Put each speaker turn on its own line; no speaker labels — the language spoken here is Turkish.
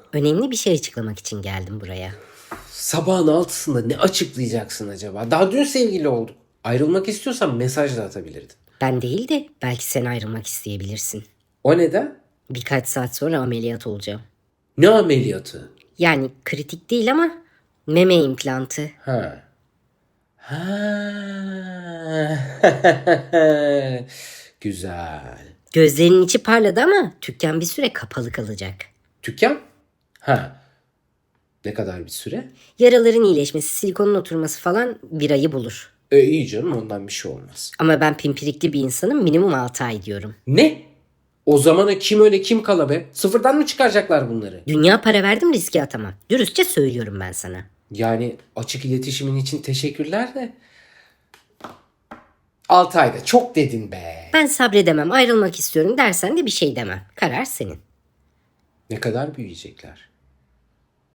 Önemli bir şey açıklamak için geldim buraya.
Sabahın 6'sında ne açıklayacaksın acaba? Daha dün sevgili olduk. Ayrılmak istiyorsan mesaj da atabilirdin.
Ben değil de belki sen ayrılmak isteyebilirsin.
O neden?
Birkaç saat sonra ameliyat olacağım.
Ne ameliyatı?
Yani kritik değil ama meme implantı.
Ha. Ha. Güzel.
Gözlerinin içi parladı ama dükkan bir süre kapalı kalacak.
Dükkan? Ha. Ne kadar bir süre?
Yaraların iyileşmesi, silikonun oturması falan bir ayı bulur.
İyi canım, ondan bir şey olmaz.
Ama ben pimpirikli bir insanım, minimum 6 ay diyorum.
Ne? O zamana kim öyle kim kala be? Sıfırdan mı çıkaracaklar bunları?
Dünya para verdim, riske atamam. Dürüstçe söylüyorum ben sana.
Yani açık iletişimin için teşekkürler de. 6 ayda çok dedin be.
Ben sabredemem, ayrılmak istiyorum dersen de bir şey demem. Karar senin.
Ne kadar büyüyecekler?